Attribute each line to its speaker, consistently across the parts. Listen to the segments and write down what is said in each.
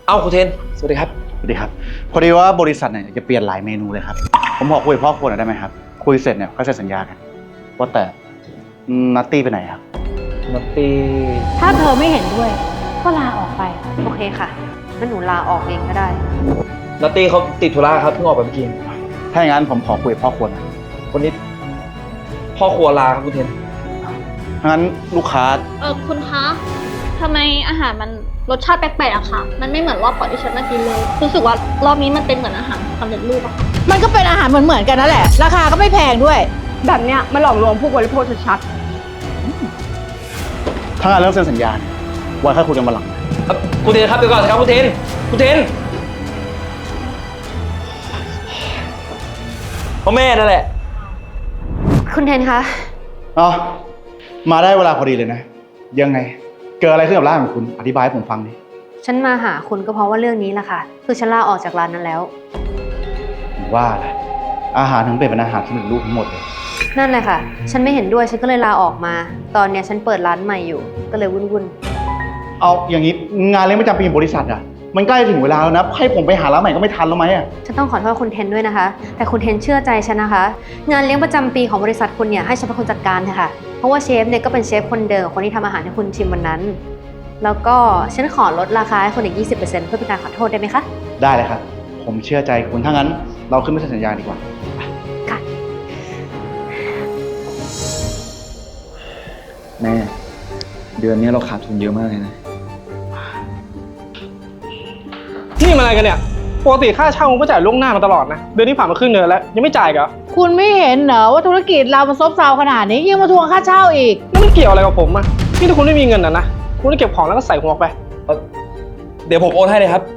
Speaker 1: เอาคุณเทนสวัสดีครับ
Speaker 2: สวัสดีครับพอดีว่าบริษัทเนี่ยจะเปลี่ยนหลายเมนูเลยครับผมขอคุยกับพ่อครัวหน่อยได้ไหมครับคุยเสร็จเนี่ยก็เซ็นสัญญากันว่าแต่นัตตี้ไปไหนครับ
Speaker 1: นัตตี้
Speaker 3: ถ้าเธอไม่เห็นด้วยก็ลาออกไป
Speaker 4: โอเคค่ะงั้นหนูลาออกเองก็ได้
Speaker 1: นัตตี้เขาติดธุระครับเพิ่งออกไปเมื่อกี้
Speaker 2: ถ้าอย่างนั้นผมขอคุยกับพ่อครัวหน่อย
Speaker 1: วันนี้พ่อครัวลาครับคุณเทน
Speaker 2: งั้นลูกค้า
Speaker 5: คุณคะทำไมอาหารมันรสชาติแปลกๆอะค่ะมันไม่เหมือนรอบก่อนที่ฉันมากินเลยรู้สึกว่ารอบนี้มันเป็นเหมือนอาหารสำเร็จรูปอะค่ะ
Speaker 3: มันก็เป็นอาหารเหมือนกันนั่นแหละราคาก็ไม่แพงด้วย
Speaker 6: แบบเนี้ยมันหลอกลวงผู้บริโภคชัด
Speaker 2: ถ้างานเรื่องเซ็นสัญญาเนี่ยไว้ค่อยคุยกันวันหลัง
Speaker 1: คุณเทนครับเดี๋ยวก่อนครับคุณเทนพ่อแม่นั่นแหละ
Speaker 4: คุณเทนคะ
Speaker 2: อ๋อมาได้เวลาพอดีเลยนะยังไงเกิดอะไรขึ้นกับร้านของคุณอธิบายให้ผมฟังดิ
Speaker 4: ฉันมาหาคุณก็เพราะว่าเรื่องนี้แหละค่ะคือฉันลาออกจากร้านนั้นแล้ว
Speaker 2: ว่าอะไรอาหารถึงเป็นอาหารสำเร็จรูปทั้งหมดเลย
Speaker 4: นั่นแหละค่ะฉันไม่เห็นด้วยฉันก็เลยลาออกมาตอนเนี้ยฉันเปิดร้านใหม่อยู่ก็เลยวุ่น
Speaker 2: เอาอย่างนี้งานเลี้ยงประจำปีของบริษัทอ่ะมันใกล้ถึงเวลาแล้วนะให้ผมไปหาร้านใหม่ก็ไม่ทันแล้วไหมอ่ะ
Speaker 4: ฉันต้องขอโทษคุณเทนด้วยนะคะแต่คุณเทนเชื่อใจฉันนะคะงานเลี้ยงประจำปีของบริษัทคุณเนี่ยให้ฉันเป็นคนจัดการเถอะค่ะเพราะว่าเชฟเนี่ยก็เป็นเชฟคนเดิมคนที่ทำอาหารให้คุณชิมวันนั้นแล้วก็ฉันขอลดราคาให้คุณอีก 20% เพื่อเป็นการขอโทษได้ไหมคะ
Speaker 2: ได้เลยครับผมเชื่อใจคุณถ้างั้นเราขึ้นไปเซ็นสัญญาดีกว่า
Speaker 4: ค่ะ
Speaker 1: แม่เดือนนี้เราขาดทุนเยอะมากเลยนะ
Speaker 6: นี่มันอะไรกันเนี่ยปกติค่าเช่าผมก็จ่ายล่วงหน้ามาตลอดนะเดือนนี้ผ่านมาครึ่งเดือนแล้วยังไม่จ่ายเหรอ
Speaker 3: คุณไม่เห็นเหรอว่าธุรกิจเรามันซบเซาขนาดนี้ยังมาทวงค่าเช่าอีก
Speaker 6: แล้วมันเกี่ยวอะไรกับผมอ่ะนี่ถ้าคุณไม่มีเงินนะคุณต้องเก็บของแล้วก็ใส่หัวไป
Speaker 1: เดี๋ยวผมโอนให้เลยครับ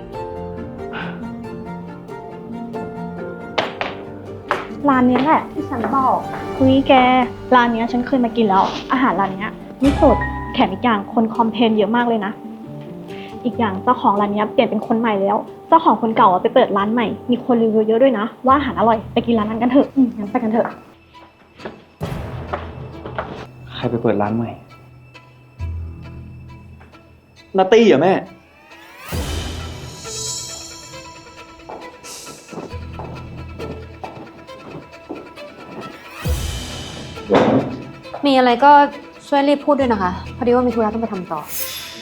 Speaker 5: ร้านนี้แหละที่ฉันบอกคุยแกร้านนี้ฉันเคยมากินแล้วอาหารร้านนี้นี่สดแถมอีกอย่างคนคอมเพลนเยอะมากเลยนะอีกอย่างเจ้าของร้านนี้เปลี่ยนเป็นคนใหม่แล้วเจ้าของคนเก่าไปเปิดร้านใหม่มีคนรีวิวเยอะด้วยนะว่าอาหารอร่อยไปกินร้านนั้นกันเถอะงั้นไปกันเถอะ
Speaker 1: ใครไปเปิดร้านใหม่นัตตี้เหรอแม่
Speaker 4: มีอะไรก็ช่วยรีบพูดด้วยนะคะพอดีว่ามีธุระต้องไปทำต่อ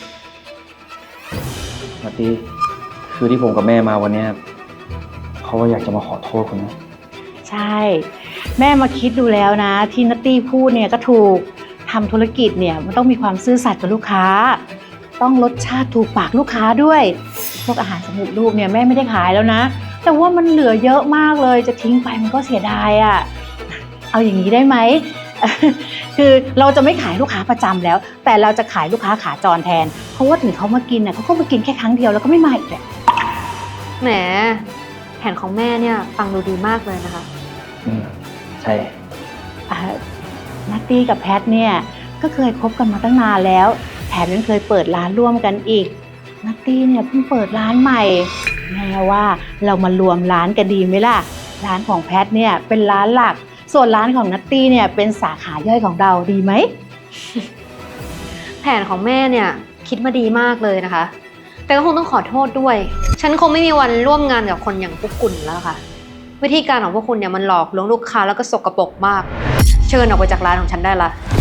Speaker 1: นัตตี้คือที่ผมกับแม่มาวันนี้เขาว่าอยากจะมาขอโทษคุณนะ
Speaker 3: ใช่แม่มาคิดดูแล้วนะที่นัตตี้พูดเนี่ยก็ถูกทำธุรกิจเนี่ยมันต้องมีความซื่อสัตย์กับลูกค้าต้องรสชาติถูกปากลูกค้าด้วยพวกอาหารสำเร็จรูปเนี่ยแม่ไม่ได้ขายแล้วนะแต่ว่ามันเหลือเยอะมากเลยจะทิ้งไปมันก็เสียดายอ่ะเอาอย่างนี้ได้ไหม คือเราจะไม่ขายลูกค้าประจำแล้วแต่เราจะขายลูกค้าขาจรแทนเพราะว่าถึงเขามากินน่ะเขาก็มากินแค่ครั้งเดียวแล้วก็ไม่มาอีกแหละ
Speaker 4: แหมแผนของแม่เนี่ยฟังดูดีมากเลยนะคะ
Speaker 1: ใช่
Speaker 3: นัตตี้กับแพทเนี่ยก็เคยคบกันมาตั้งนานแล้วแถมยังเคยเปิดร้านร่วมกันอีกนัตตี้เนี่ยเพิ่งเปิดร้านใหม่แม่ว่าเรามารวมร้านกันดีไหมล่ะร้านของแพทเนี่ยเป็นร้านหลักส่วนร้านของนัตตี้เนี่ยเป็นสาขาย่อยของเราดีไหม
Speaker 4: แผนของแม่เนี่ยคิดมาดีมากเลยนะคะแต่ก็คงต้องขอโทษด้วยฉันคงไม่มีวันร่วมงานกับคนอย่างพวกคุณแล้วค่ะวิธีการของพวกคุณเนี่ยมันหลอกลวงลูกค้าแล้วก็สกปรกมากเชิญออกไปจากร้านของฉันได้ละ